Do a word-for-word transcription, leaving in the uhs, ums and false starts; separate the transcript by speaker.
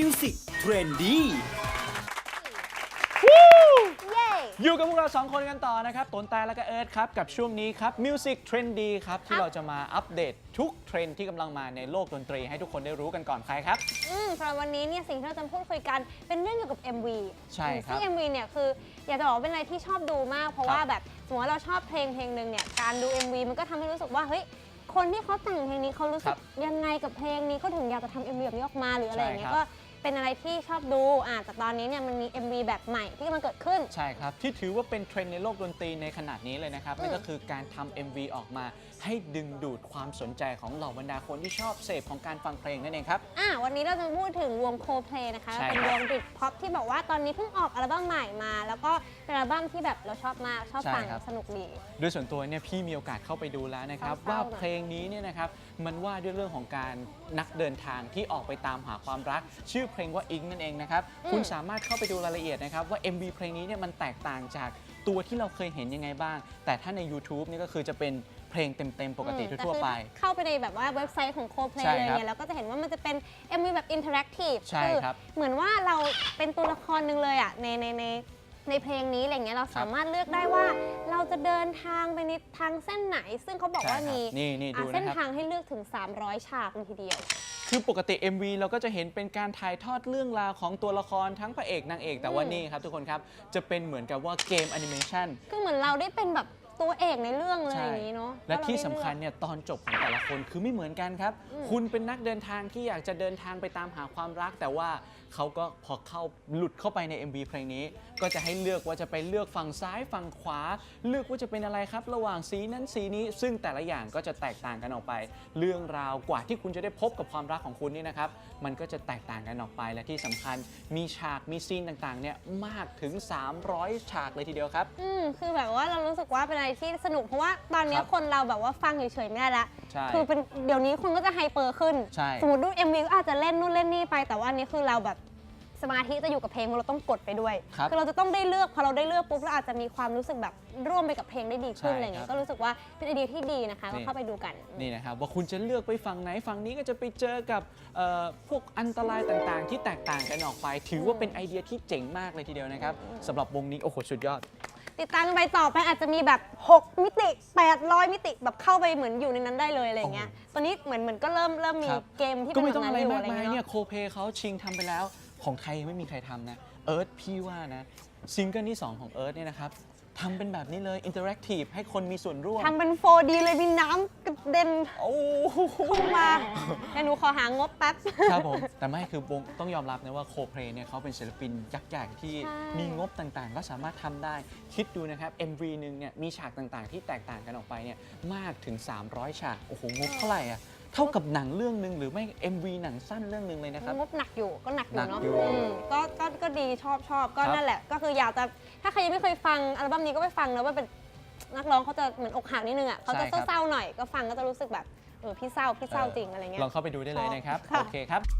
Speaker 1: Music Trendy
Speaker 2: อยู่กับพวกเราสองคนกันต่อนะครับตนแต่และก็เอิร์ธครับกับช่วงนี้ครับ Music Trendy ครับที่เราจะมาอัปเดตทุกเทรนด์ที่กำลังมาในโลกดนตรีให้ทุกคนได้รู้กันก่อนใครครับ
Speaker 3: อืมสำหรับวันนี้เนี่ยสิ่งที่เราจะพูดคุยกันเป็นเรื่องเกี่ยวกับ เอ็ม วี
Speaker 2: ใช่ครับ
Speaker 3: ซึ่ง เอ็ม วี เนี่ยคืออยากจะบอกว่าเป็นอะไรที่ชอบดูมากเพราะว่าแบบสมมติว่าเราชอบเพลงเพลงหนึ่งเนี่ยการดู เอ็ม วี มันก็ทำให้รู้สึกว่าเฮ้ยคนที่เขาแต่งเพลงนี้เขารู้สึกยังไงกับเพลงนี้เขาถึงอยากจะทำ เอ็ม วี แบบนี้ออกมาหรืออะไรอย่างเงี้ยก็เป็นอะไรที่ชอบดูอ่าแต่ตอนนี้เนี่ยมันมี เอ็ม วี แบบใหม่ที่กำลังเกิดขึ้น
Speaker 2: ใช่ครับที่ถือว่าเป็นเทรนด์ในโลกดนตรีในขนาดนี้เลยนะครับนั่นก็คือการทำ เอ็ม วี ออกมาให้ดึงดูดความสนใจของเหล่าบรรดาคนที่ชอบเสพของการฟังเพลงนั่นเองครับ
Speaker 3: อ่าวันนี้เราจะพูดถึงวง Coldplay นะคะเป็นวงบริตพ็อปที่บอกว่าตอนนี้เพิ่งออกอัลบั้มใหม่มาแล้วก็เป็นอัลบั้มที่แบบเราชอบมากชอบฟังสนุกดี
Speaker 2: โดยส่วนตัวเนี่ยพี่มีโอกาสเข้าไปดูแล้วนะครับว่าเพลงนี้เนี่ยนะครับมันว่าด้วยเรื่องของการนักเดินทางที่ออกไปตามหาความรักชื่อเพลงว่าอิงนั่นเองนะครับคุณสามารถเข้าไปดูรายละเอียดนะครับว่า เอ็ม วี เพลงนี้เนี่ยมันแตกต่างจากตัวที่เราเคยเห็นยังไงบ้างแต่ถ้าใน YouTube นี่ก็คือจะเป็นเพลงเต็มๆปกติทั่วไป
Speaker 3: เข้าไปในแบบว่าเว็บไซต์ของ Coldplay เลยเนี่ยแล้วก็จะเห็นว่ามันจะเป็น เอ็ม วี แบบอินเทอร์แอคทีฟคือเหมือนว่าเราเป็นตัวละครหนึ่งเลยอ่ะในในในในเพลงนี้อะไรเงี้ยเราสามารถเลือกได้ว่าเราจะเดินทางไปในทางเส้นไหนซึ่งเขาบอกว่ามีเส้นทางให้เลือกถึงสามร้อยฉากเลยทีเดียว
Speaker 2: คือปกติ เอ็ม วี เราก็จะเห็นเป็นการถ่ายทอดเรื่องราวของตัวละครทั้งพระเอกนางเอกแต่ว่านี่ครับทุกคนครับจะเป็นเหมือนกับว่าเกมแอนิเมชัน
Speaker 3: ก็เหมือนเราได้เป็นแบบตัวเอกในเรื่องเลยอย่างนี้เนาะ
Speaker 2: และที่สำคัญเนี่ยตอนจบของแต่ละคนคือไม่เหมือนกันครับคุณเป็นนักเดินทางที่อยากจะเดินทางไปตามหาความรักแต่ว่าเขาก็พอเข้าหลุดเข้าไปใน เอ็ม วี เพลงนี้ก็จะให้เลือกว่าจะไปเลือกฝั่งซ้ายฝั่งขวาเลือกว่าจะเป็นอะไรครับระหว่างสีนั้นสีนี้ซึ่งแต่ละอย่างก็จะแตกต่างกันออกไปเรื่องราวกว่าที่คุณจะได้พบกับความรักของคุณนี่นะครับมันก็จะแตกต่างกันออกไปและที่สำคัญมีฉากมีซีนต่างๆเนี่ยมากถึงสามร้อยฉากเลยทีเดียวครับ
Speaker 3: อืมคือแบบว่าเรารู้สึกว่าเป็นอะไรที่สนุกเพราะว่าตอนนี้คนเราแบบว่าฟังเฉยๆไม่ได้ละคือเป็นเดี๋ยวนี้คนก็จะไฮเปอร์ขึ้นสมมติดู เอ็ม วี ก็อาจจะเล่นนู่นเล่นนี่ไปแต่ว่าอันนี้คือเราแบบสมาธิจะอยู่กับเพลงเราต้องกดไปด้วยคือเราจะต้องได้เลือกพอเราได้เลือกปุ๊บเราอาจจะมีความรู้สึกแบบร่วมไปกับเพลงได้ดีขึ้นอะไรเงี้ยก็รู้สึกว่าเป็นไอเดียที่ดีนะคะก็เข้าไปดูกัน
Speaker 2: นี่นะครับว่าคุณจะเลือกไปฝั่งไหนฝั่งนี้ก็จะไปเจอกับพวกอันตรายต่างๆที่แตกต่างกันออกไปถือว่าเป็นไอเดียที่เจ๋งมากเลยทีเดียวนะครับสำหรับวงนี้โอ้โหสุดยอด
Speaker 3: ติดตามกันไปต่อไปอาจจะมีแบบหกมิติแปดร้อยมิติแบบเข้าไปเหมือนอยู่ในนั้นได้เลยอะไรเงี้ยตอนนี้เหมือนเหมือนก็เริ่มเริ่มมีเกมที่เป็นแบบนั้นอยู่อะไรเงี้ย
Speaker 2: เนี่ยโคเพเขาชิงทำไปแล้วของไทยยังไม่มีใครทำนะเอิร์ธพี่ว่านะซิงเกิลที่สองของเอิร์ธเนี่ยนะครับทำเป็นแบบนี้เลยอินเทอร์แอคทีฟให้คนมีส่วนร่วม
Speaker 3: ทำเป็น โฟร์ ดี เลยมีน้ำกระเด็นเข้ามาเดี๋ยวหนูขอหางบแป๊บ
Speaker 2: ครับผมแต่ไม่คือวงต้องยอมรับนะว่าโคเพลเนี่ยเขาเป็นศิลปินยักษ์ใหญ่ที่มีงบต่างๆก็สามารถทำได้คิดดูนะครับ เอ็ม วี หนึ่งเนี่ยมีฉากต่างๆที่แตกต่างกันออกไปเนี่ยมากถึงสามร้อยฉากโอ้โหงบเท่าไหร่อะเท่ากับหนังเรื่องหนึ่งหรือไม่ เอ็ม วี หนังสั้นเรื่องหนึ่งเลยนะครับ
Speaker 3: งบหนักอยู่ก็หนักอยู่เนาะก็ก็ก็ดีชอบชอบก็นั่นแหละก็คืออยากจะถ้าใครยังไม่เคยฟังอัลบั้มนี้ก็ไปฟังนะว่าเป็นนักร้องเขาจะเหมือนอกหักนิดนึงอ่ะเขาจะเศร้าๆหน่อยก็ฟังก็จะรู้สึกแบบเออพี่เศร้าพี่เศร้าจริงอะไรเงี้ย
Speaker 2: ลองเข้าไปดูได้เลยนะครับโอเคครับ